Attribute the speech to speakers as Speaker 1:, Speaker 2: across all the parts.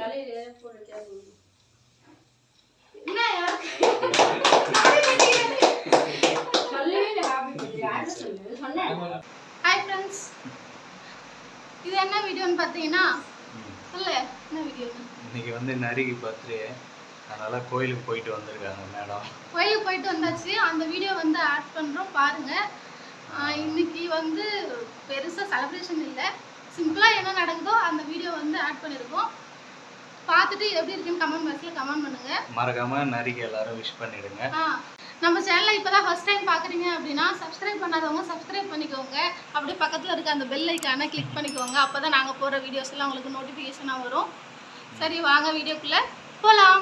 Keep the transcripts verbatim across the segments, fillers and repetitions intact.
Speaker 1: Hi friends, இது என்ன வீடியோன்னு பார்த்தீங்கன்னா சொல்லு என்ன வீடியோ?
Speaker 2: இன்னைக்கு வந்து நரிக்கு பர்த்டே, அதனால கோயிலுக்கு போயிட்டு வந்திருக்காங்க மேடம்.
Speaker 1: கோயிலுக்கு போயிட்டு வந்தாச்சு. அந்த வீடியோ வந்து ஆட் பண்ணுறோம் பாருங்க. இன்னைக்கு வந்து பெருசாக செலிப்ரேஷன் இல்லை, சிம்பிளாக என்ன நடக்குதோ அந்த வீடியோ வந்து ஆட் பண்ணியிருக்கோம். பார்த்துட்டு எப்படி இருக்குன்னு கமெண்ட் பாக்ஸில் கமெண்ட் பண்ணுங்க.
Speaker 2: மறக்காம நரிக்கு எல்லாரும் விஷ் பண்ணிடுங்க.
Speaker 1: நம்ம சேனலை இப்போ தான் ஃபர்ஸ்ட் டைம் பார்க்குறீங்க அப்படின்னா சப்ஸ்கிரைப் பண்ணாதவங்க சப்ஸ்கிரைப் பண்ணிக்கோங்க. அப்படியே பக்கத்தில் இருக்க அந்த பெல் ஐக்கானை கிளிக் பண்ணிக்கோங்க. அப்போ தான் நாங்கள் போகிற வீடியோஸ் எல்லாம் உங்களுக்கு நோட்டிஃபிகேஷனாக வரும். சரி வாங்க வீடியோக்குள்ளே போகலாம்.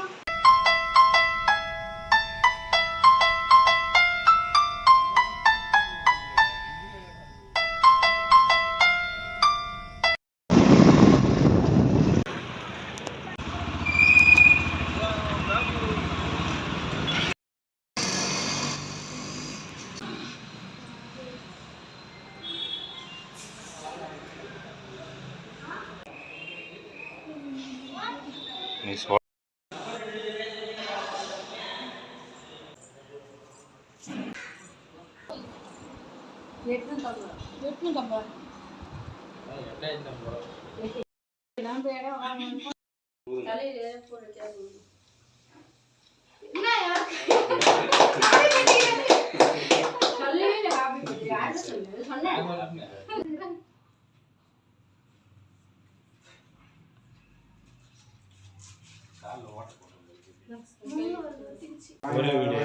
Speaker 2: ஒரே வீடியோ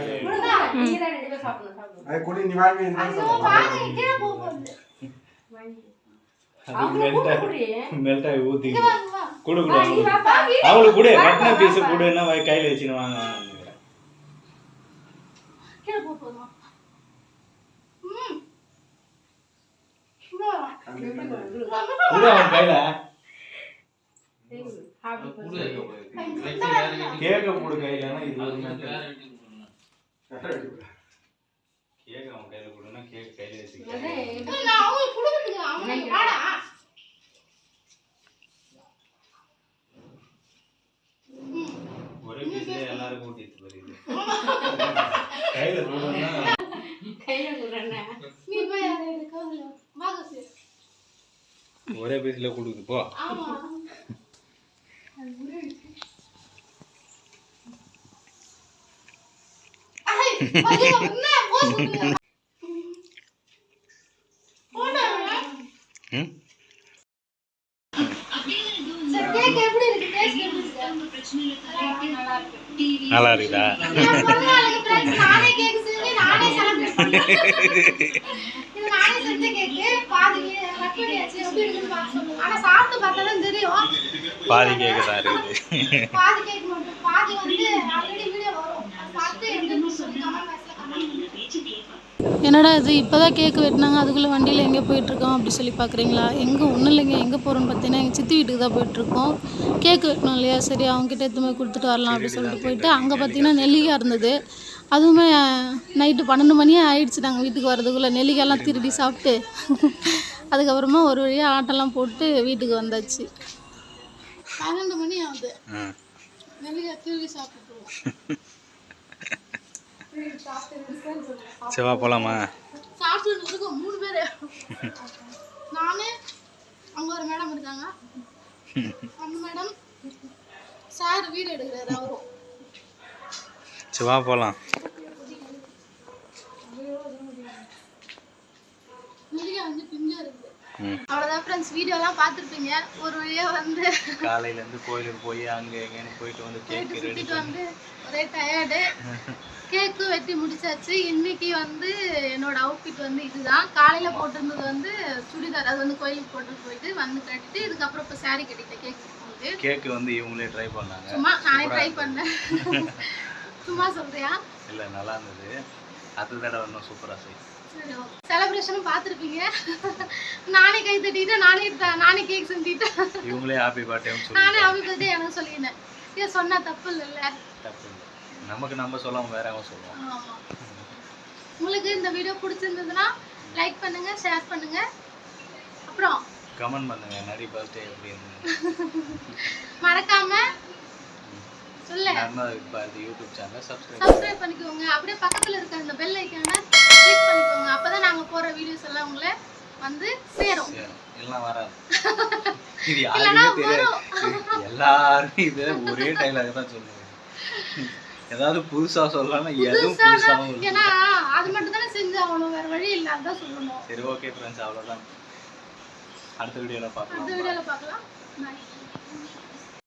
Speaker 2: மெல்ட்டாகி ஊற்றி கொடு கொடு அவங்களுக்கு கூட கட்டின பீஸு கொடுன்னா கையில் வச்சுன்னு வாங்க வாங்கிக்கிறேன். கொடு அவன் கையில் கேக்க போடு கையிலனா இது ஒரு கேக்க அவன் கையில கொடுனா கேக் கையில வச்சுக்க.
Speaker 1: நான் அவங்களுக்கு கொடுக்கிறதுக்கு அவனுக்கு வாடா.
Speaker 2: ஒரே பீஸ்ல எல்லாரும் கூட்டிட்டு வருது. கையில கொடுனா
Speaker 1: கையில கொடுறேன்னா நீ போய் அதை எடுக்கல வாங்க.
Speaker 2: ஒரே பீஸ்ல கொடுக்குது போ.
Speaker 1: ஆமா
Speaker 2: நல்லா இருக்குதா? பாதி கேக்கு தான் இருக்குது.
Speaker 1: என்னடா இது இப்போதான் கேக்கு வெட்டினாங்க, அதுக்குள்ளே வண்டியில் எங்கே போயிட்டுருக்கோம் அப்படி சொல்லி பார்க்குறீங்களா? எங்கே ஒன்றும் இல்லைங்க. எங்கே போகிறோன்னு பார்த்தீங்கன்னா எங்கள் சித்தி வீட்டுக்கு தான் போயிட்டுருக்கோம். கேக்கு வெட்டணும் இல்லையா, சரி அவங்ககிட்ட எடுத்து போய் கொடுத்துட்டு வரலாம் அப்படின்னு சொல்லிட்டு போயிட்டு அங்கே பார்த்தீங்கன்னா நெல்லிக்காய் இருந்தது. அதுவுமே நைட்டு பன்னெண்டு மணியே ஆயிடுச்சு நாங்கள் வீட்டுக்கு வரதுக்குள்ளே. நெல்லிக்காயெல்லாம் திருடி சாப்பிட்டு அதுக்கப்புறமா ஒரு வழியாக ஆட்டெல்லாம் போட்டு வீட்டுக்கு வந்தாச்சு. பன்னெண்டு மணி ஆகுது, நெல்லிக்காய் திருடி சாப்பிட்டுருவோம்.
Speaker 2: செவ்வா போலாமா?
Speaker 1: சாப்பிட்டு மூணு பேர், நானு அங்க ஒரு மேடம் இருக்காங்க, அந்த மேடம் சார் வீடு எடுக்கிறாரு அவரும்.
Speaker 2: செவ்வா போலாம்.
Speaker 1: வந்து பிஞ்சா இருக்கு. அவ்வளோதான் ஃப்ரெண்ட்ஸ், வீடியோலாம் பார்த்துருப்பீங்க. ஒரு வழியாக வந்து
Speaker 2: காலையிலேருந்து கோயிலுக்கு போய் அங்கே எங்கேன்னு போயிட்டு வந்து கேக்கு
Speaker 1: சுற்றிட்டு வந்து ஒரே டயர்டு. கேக்கு வெட்டி முடிச்சாச்சு. இன்னைக்கு வந்து என்னோட அவுட்ஃபிட் வந்து இதுதான். காலையில் போட்டிருந்தது வந்து சுடிதார், அது வந்து கோயிலுக்கு போட்டு போயிட்டு வந்து கட்டிட்டு இதுக்கப்புறம் இப்போ சாரீ கட்டிட்டேன். கேக் போட்டு
Speaker 2: கேக்கு வந்து இவங்களே ட்ரை பண்ணாங்க.
Speaker 1: சும்மா நானே ட்ரை பண்ணேன். சும்மா சொல்றியா?
Speaker 2: இல்லை நல்லா இருந்தது. அடுத்த தடவை இன்னும் சூப்பராக செய்யும்.
Speaker 1: செலிப்ரேஷனும் பார்த்துருப்பீங்க. நானே கை தட்டிட்டு நானே நானே கேக் செஞ்சுட்டேன்.
Speaker 2: இவங்களே ஹாப்பி பர்த்டே
Speaker 1: நானே ஹாப்பி பர்த்டே எனக்கு சொல்லியிருந்தேன். இதை சொன்னா தப்பு இல்லைல்ல?
Speaker 2: தப்பு இல்லை, நமக்கு நம்ம சொல்லாம வேற அவங்க சொல்லுவோம்.
Speaker 1: ஆமா. உங்களுக்கு இந்த வீடியோ பிடிச்சிருந்ததுன்னா லைக் பண்ணுங்க, ஷேர் பண்ணுங்க, அப்புறம்
Speaker 2: கமெண்ட் பண்ணுங்க நரி பர்த்டே அப்படின்னு.
Speaker 1: மறக்காம சொல்ல
Speaker 2: பாரதி யூடியூப் சேனலை சப்ஸ்கிரைப்
Speaker 1: சப்ஸ்கிரைப் பண்ணிக்கோங்க. அப்படியே பக்கத்துல இருக்க அந்த பெல் ஐகானை கிளிக் பண்ணிக்கோங்க. அப்பதான் நாங்க போற வீடியோஸ் எல்லாம் உங்களை வந்து சேரும்.
Speaker 2: எல்லாம் வராது. இது யாருக்குமே தெரியாது. எல்லாரும் இது ஒரே டைலாக் தான் சொல்லுவாங்க. ஏதாவது புதுசா சொல்லலாம் எதுவும் புதுசாவும் இல்லை.
Speaker 1: ஏன்னா அது மட்டும் தானே செஞ்சு ஆகணும், வேற வழி இல்லை, அதான் சொல்லணும்.
Speaker 2: சரி ஓகே ஃப்ரெண்ட்ஸ், அவ்வளோதான். அடுத்த வீடியோவில் பார்க்கலாம்.
Speaker 1: அடுத்த வீடியோவில் பார்க்கலாம். பாய்.